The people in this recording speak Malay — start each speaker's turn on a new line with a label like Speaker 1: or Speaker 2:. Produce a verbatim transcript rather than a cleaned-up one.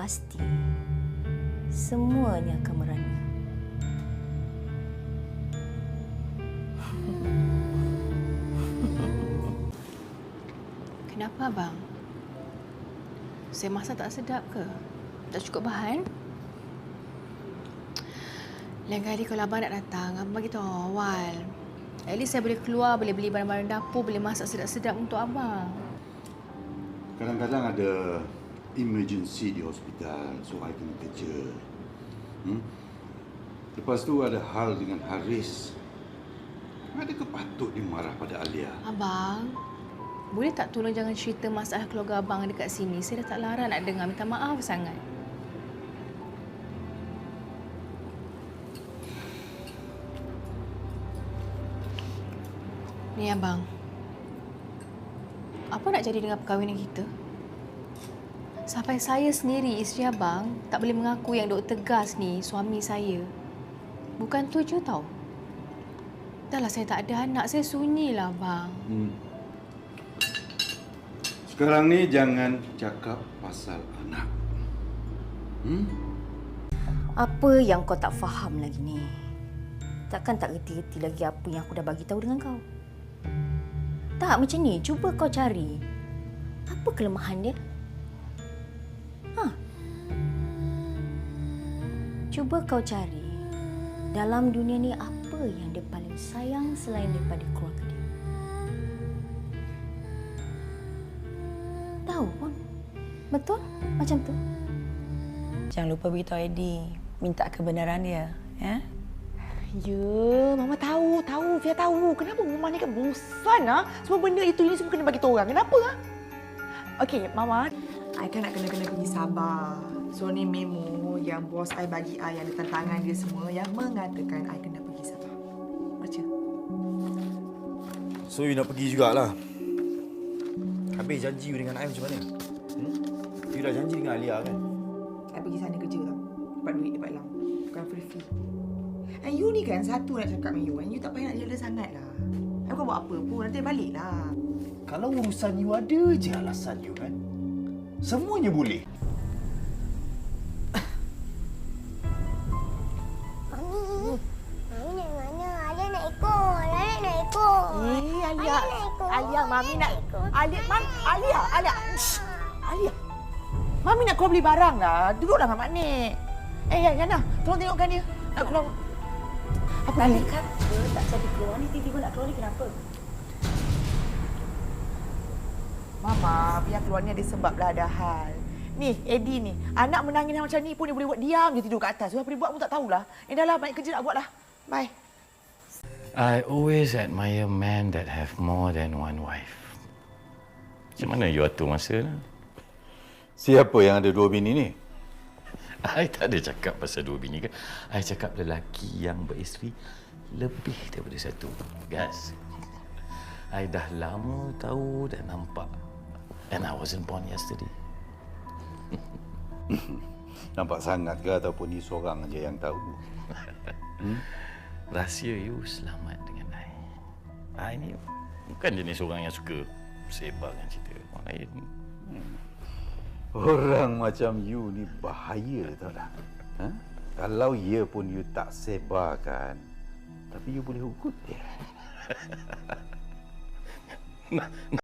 Speaker 1: pasti semuanya akan merana.
Speaker 2: Kenapa, abang? Saya masak tak sedap ke? Tak cukup bahan? Lain kali kalau abang nak datang, abang bagi tahu awal. At least saya boleh keluar, boleh beli barang-barang dapur, boleh masak sedap-sedap untuk abang.
Speaker 3: Kadang-kadang ada emergency di hospital, so I kena kerja. Hmm? Lepas tu ada hal dengan Haris. Adakah patut dia marah pada Alia?
Speaker 2: Abang, boleh tak tolong jangan cerita masalah keluarga abang dekat sini? Saya dah tak larang nak dengar. Minta maaf sangat. Ni abang. Apa nak jadi dengan perkahwinan kita? Sampai saya sendiri, isteri abang, tak boleh mengaku yang Doktor Gas ni suami saya. Bukan tuju tau. Dahlah saya tak ada anak, saya sunyilah abang.
Speaker 3: Hmm. Sekarang ni jangan cakap pasal anak. Hmm?
Speaker 1: Apa yang kau tak faham lagi ni? Takkan tak reti-reti lagi apa yang aku dah bagi tahu dengan kau? Tak, macam ni. Cuba kau cari. Apa kelemahan dia? Ha? Cuba kau cari. Dalam dunia ni apa yang dia paling sayang selain daripada keluarga dia? Tahu pun. Betul? Macam tu.
Speaker 4: Jangan lupa beritahu Eddie. Minta kebenaran dia. Ya?
Speaker 5: Ya, Mama tahu, tahu. Fia tahu. Kenapa Mama ni kan bosan, ha? Semua benda itu ini semua kena bagi tahu orang. Kenapa, ha? Okey, Mama. I kan nak kena-kena pergi Sabah. So, ni memo yang bos I bagi I yang ada tantangan dia semua yang mengatakan I kena pergi Sabah. Baca.
Speaker 6: So, you nak pergi jugalah. Habis janji you dengan I macam mana? Hmm? You dah janji dengan Alia kan?
Speaker 5: I pergi sana kerja tau. Dapat duit, dapat lam. Bukan free-free. And you ni kan satu nak cakap dengan you. And you tak payah nak jealous sangat lah. I bukan buat apa pun. Nanti balik lah.
Speaker 6: Kalau urusan you ada je alasan you kan? Semuanya boleh.
Speaker 7: Mami, Mami nak mana? Alia nak ikut. Alia nak ikut.
Speaker 5: Eh, Alia.
Speaker 7: Alia nak ikut.
Speaker 5: Alia, Mami nak...
Speaker 7: ikut.
Speaker 5: Alia, Mam, Alia, Alia. Shh. Alia. Mami nak keluar beli barang lah. Duduklah dengan Mak Nik. Eh, ya, Yana. Tolong tengokkan dia. Nak keluar. Apa
Speaker 1: Tadi
Speaker 5: ni?
Speaker 1: kata tak jadi keluar ni, tiba-tiba nak keluar ni kenapa?
Speaker 5: Mama, biar keluar ni ada sebab lah, ada hal. Ni, Eddie ni. Anak menangis macam ni pun dia boleh buat diam je tidur kat atas. So, apa dia buat pun tak tahulah. Eh, dah lah. Banyak kerja nak buat lah. Bye.
Speaker 8: I always admire men that have more than one wife. Macam mana you atur masa lah?
Speaker 3: Siapa yang ada dua bini ni?
Speaker 8: I tak ada cakap pasal dua bini kan. I cakap lelaki yang beristeri lebih daripada satu. Gas. I dah lama tahu dan nampak. And I wasn't born yesterday.
Speaker 3: Nampak sangat ke ataupun ni seorang aja yang tahu?
Speaker 8: Hmm? Rahsia you selamat dengan I. I ni bukan jenis orang yang suka sebarkan cerita orang lain.
Speaker 3: Hmm. Orang macam you ni bahaya tau dah. Ha? Kalau ya pun you tak sebarkan, tapi you boleh ugut dia.